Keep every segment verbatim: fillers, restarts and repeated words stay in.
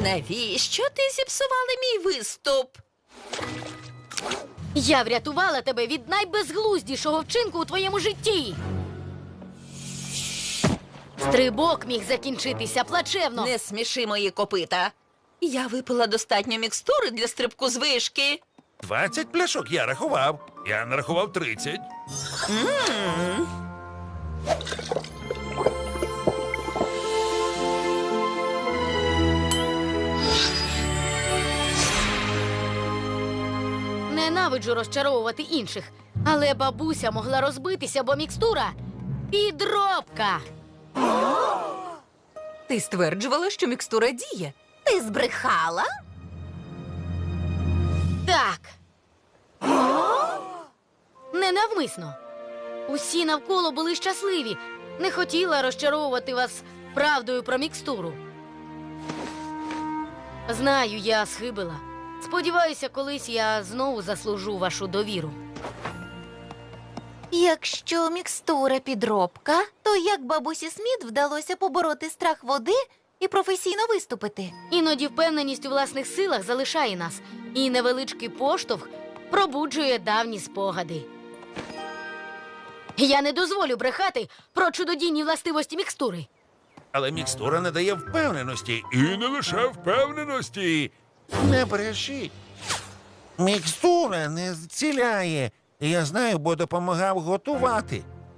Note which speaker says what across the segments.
Speaker 1: Навіщо ти зіпсували мій виступ?
Speaker 2: Я врятувала тебе від найбезглуздішого вчинку у твоєму житті. Стрибок міг закінчитися плачевно.
Speaker 1: Не сміши мої копита. Я випила достатньо мікстури для стрибку з вишки.
Speaker 3: Двадцять пляшок я рахував. Я нарахував тридцять.
Speaker 2: Ненавиджу розчаровувати інших, але бабуся могла розбитися, бо мікстура – підробка.
Speaker 4: Ти стверджувала, що мікстура діє.
Speaker 1: Ти збрехала?
Speaker 2: Так. Ненавмисно. Усі навколо були щасливі. Не хотіла розчаровувати вас правдою про мікстуру. Знаю, я схибила. Сподіваюся, колись я знову заслужу вашу довіру.
Speaker 5: Якщо мікстура підробка, то як бабусі Сміт вдалося побороти страх води і професійно виступити?
Speaker 2: Іноді впевненість у власних силах залишає нас, і невеличкий поштовх пробуджує давні спогади. Я не дозволю брехати про чудодійні властивості мікстури.
Speaker 3: Але мікстура не дає впевненості. І не лише впевненості.
Speaker 6: Не брешіть. Мікстура не зціляє. Я знаю, бо допомагав готувати.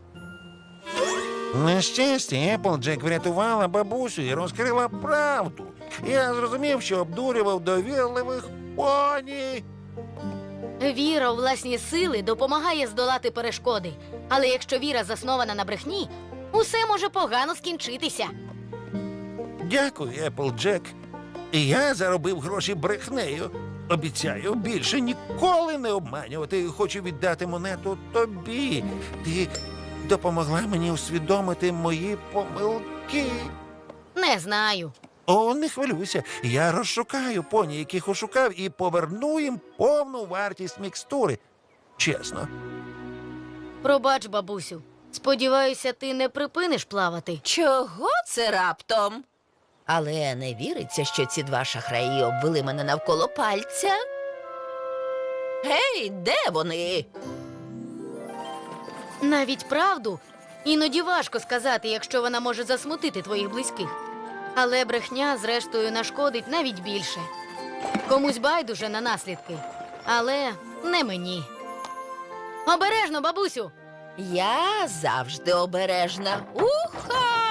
Speaker 6: На щастя, Еплджек врятувала бабусю і розкрила правду. Я зрозумів, що обдурював довірливих поні.
Speaker 2: Віра у власні сили допомагає здолати перешкоди. Але якщо віра заснована на брехні, усе може погано скінчитися.
Speaker 6: Дякую, Еплджек. І я заробив гроші брехнею. Обіцяю більше ніколи не обманювати. Хочу віддати монету тобі. Ти допомогла мені усвідомити мої помилки.
Speaker 2: Не знаю.
Speaker 6: О, не хвилюйся. Я розшукаю поні, яких ошукав, і поверну їм повну вартість мікстури. Чесно.
Speaker 2: Пробач, бабусю. Сподіваюся, ти не припиниш плавати.
Speaker 1: Чого це раптом? Але не віриться, що ці два шахраї обвели мене навколо пальця. Гей, де вони?
Speaker 2: Навіть правду іноді важко сказати, якщо вона може засмутити твоїх близьких. Але брехня, зрештою, нашкодить навіть більше. Комусь байдуже на наслідки, але не мені. Обережно, бабусю!
Speaker 1: Я завжди обережна. Уха!